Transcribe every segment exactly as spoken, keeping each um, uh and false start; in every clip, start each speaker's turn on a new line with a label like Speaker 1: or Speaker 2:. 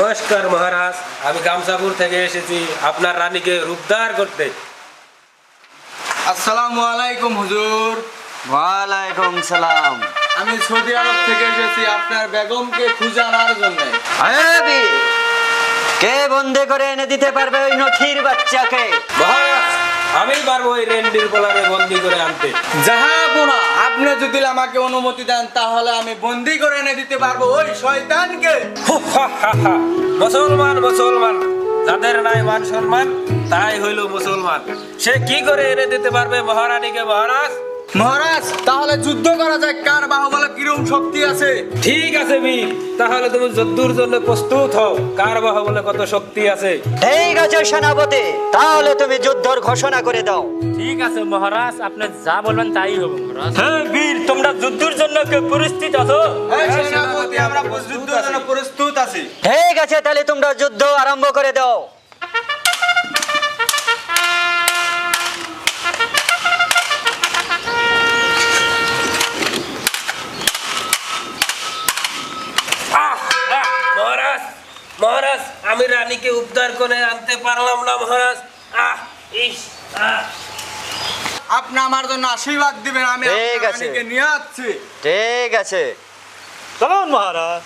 Speaker 1: নমস্কার মহারাজ, আমি গামসাপুর থেকে এসেছি আপনার রানীকে উদ্ধার করতে।
Speaker 2: আসসালামু আলাইকুম হুজুর।
Speaker 3: ওয়ালাইকুম সালাম।
Speaker 2: আমি সৌদি আরব থেকে এসেছি আপনার বেগমকে খুঁজে আনার জন্য।
Speaker 3: আরে কে বন্দী করে এনে দিতে পারবে ওই নখির বাচ্চাকে?
Speaker 1: মহারাজ, আমি পারবো ওই রেন্ডির বলারে বন্দি করে আনতে।
Speaker 2: জাহাপনা, আপনি যদি আমাকে অনুমতি দেন তাহলে আমি বন্দি করে এনে দিতে পারবো ওই শয়তানকে।
Speaker 1: মুসলমান মুসলমান যাদের নাই মান সম্মান তাই হইল মুসলমান। সে কি করে এনে দিতে পারবে মহারানীকে? মহারাজ
Speaker 2: মহারাজ, তাহলে যুদ্ধ করা যায়, কার বাহুবলে কিরকম শক্তি আছে।
Speaker 1: ঠিক আছে বীর, তাহলে তুমি যুদ্ধের জন্য প্রস্তুত হও। কার বাহুবলে কত শক্তি আছে?
Speaker 3: ঠিক আছে সেনাপতি, তাহলে তুমি যুদ্ধর ঘোষণা করে দাও।
Speaker 4: ঠিক আছে মহারাজ, আপনি যা বলবেন তাই হবে মহারাজ। হ্যাঁ বীর, তোমরা যুদ্ধের জন্য কে প্রস্তুত আছো?
Speaker 2: হ্যাঁ সেনাপতি, আমরা যুদ্ধের জন্য প্রস্তুত আছি।
Speaker 3: ঠিক আছে, তাহলে তোমরা যুদ্ধ আরম্ভ করে দাও।
Speaker 1: মহারাজ মহারাজ আমি রানীকে উদ্ধার করে আনতে পারলাম না মহারাজ। আহ ইস আহ
Speaker 2: আপনি আমার জন্য আশীর্বাদ দিবেন, আমি
Speaker 3: ঠিক
Speaker 2: আপনার
Speaker 3: আছে।
Speaker 2: রানীকে নিয়ে আসছি।
Speaker 3: ঠিক আছে,
Speaker 4: চলুন মহারাজ।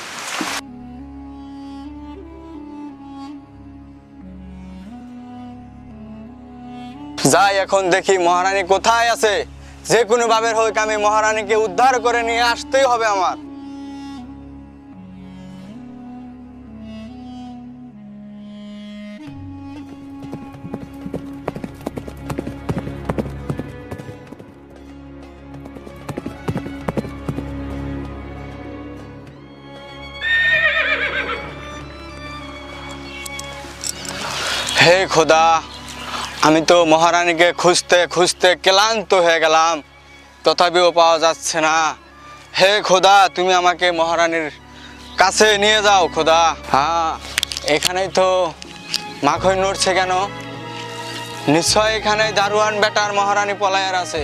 Speaker 2: যাই এখন দেখি মহারানী কোথায় আছে। যে কোনো ভাবে হোক আমি মহারানীকে উদ্ধার করে নিয়ে আসতেই হবে আমার। হে খোদা, আমি তো মহারানীকে খুঁজতে খুঁজতে ক্লান্ত হয়ে গেলাম, তথাপিও পাওয়া যাচ্ছে না। হে খোদা, তুমি আমাকে মহারানীর কাছে নিয়ে যাও খোদা। হ্যাঁ, এখানেই তো মাখন নড়ছে কেন? নিশ্চয় এখানে দারোয়ান বেটার মহারানী পলায়ার আছে।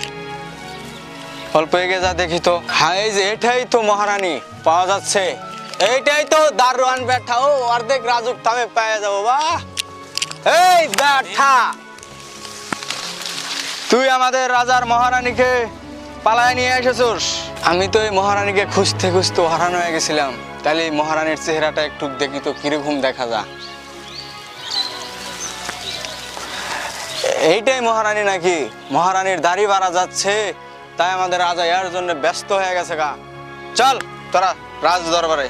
Speaker 2: অল্প এগিয়ে যা দেখি তো। হ্যাঁ, এই যে এটাই তো মহারানী পাওয়া যাচ্ছে। এইটাই তো দারোয়ান বেটা। ও অর্ধেক রাজুক থামে পেয়ে যাবো। বাহ, এই ব্যাঠা, তুই আমাদের রাজার মহারানীকে পালায় নিয়ে এসেছিস। আমি তো এই মহারানীকে খুঁজতে খুঁজতে হারানো হয়ে গেছিলাম। তাহলে এই মহারানীর চেহারাটা একটু দেখি তো কিরকম দেখা যায়। এইটাই মহারানী নাকি? মহারানীর দাড়ি বাড়া যাচ্ছে, তাই আমাদের রাজা এর জন্য ব্যস্ত হয়ে গেছে গা। চল তোরা রাজ দরবারে।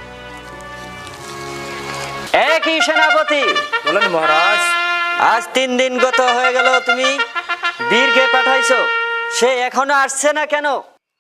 Speaker 3: একই সেনাপতি,
Speaker 4: বলেন মহারাজ।
Speaker 3: আজ তিন দিন গত হয়ে গেল, তুমি বীরকে পাঠাইছো, সে এখনো আসছে না কেন?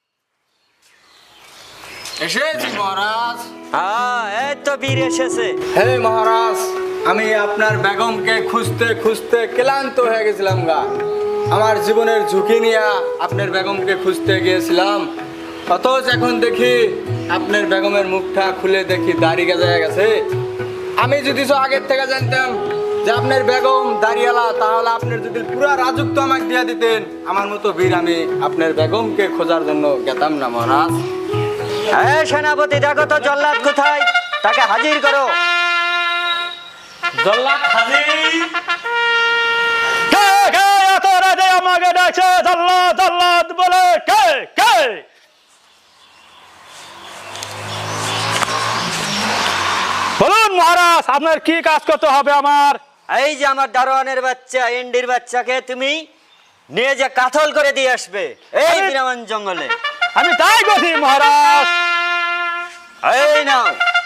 Speaker 2: এসেছি মহারাজ।
Speaker 3: হ্যাঁ, এই তো বীর এসেছে।
Speaker 2: হে মহারাজ, আমি আপনার বেগমকে খুঁজতে খুঁজতে ক্লান্ত হয়ে গেছিলাম গা। আমার জীবনের ঝুঁকি নিয়ে আপনার বেগমকে খুঁজতে গিয়েছিলাম, অথচ এখন দেখি আপনার বেগমের মুখটা খুলে দেখি দাড়ি গেজে গেছে। আমি যদি তো আগের থেকে জানতাম যে আপনার বেগম দাড়িয়ালা, তাহলে আপনার যদি পুরা রাজত্ব আমাকে দিয়ে দিতেন, আমার মতো বীর আমি আপনার বেগমকে খোঁজার জন্য গেতাম না মহারাজ।
Speaker 3: হ্যাঁ সেনাপতি, দেখো তো জল্লাদ কোথায়, তাকে হাজির করো।
Speaker 4: জল্লাদ হাজির। কে কে এত রাতে আমাকে ডাকছে জল্লাদ জল্লাদ বলে? কে কে? বলুন মহারাজ, আপনার কি কাজ করতে হবে আমার?
Speaker 3: এই যে আমার দারোয়ানের বাচ্চা, এন্ডির বাচ্চাকে তুমি নিয়ে যে কাতল করে দিয়ে আসবে এই বিরামান জঙ্গলে।
Speaker 4: আমি তাই করছি মহারাজ।
Speaker 3: এই নাও।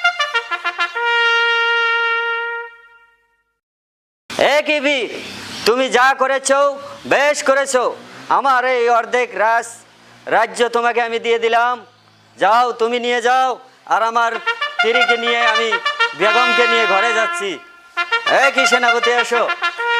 Speaker 3: একই বীর, তুমি যা করেছো বেশ করেছো। আমার এই অর্ধেক রাজ রাজ্য তোমাকে আমি দিয়ে দিলাম। যাও, তুমি নিয়ে যাও। আর আমার স্ত্রীকে নিয়ে আমি বেগমকে নিয়ে ঘরে যাচ্ছি। একই সেনাপতি, এসো।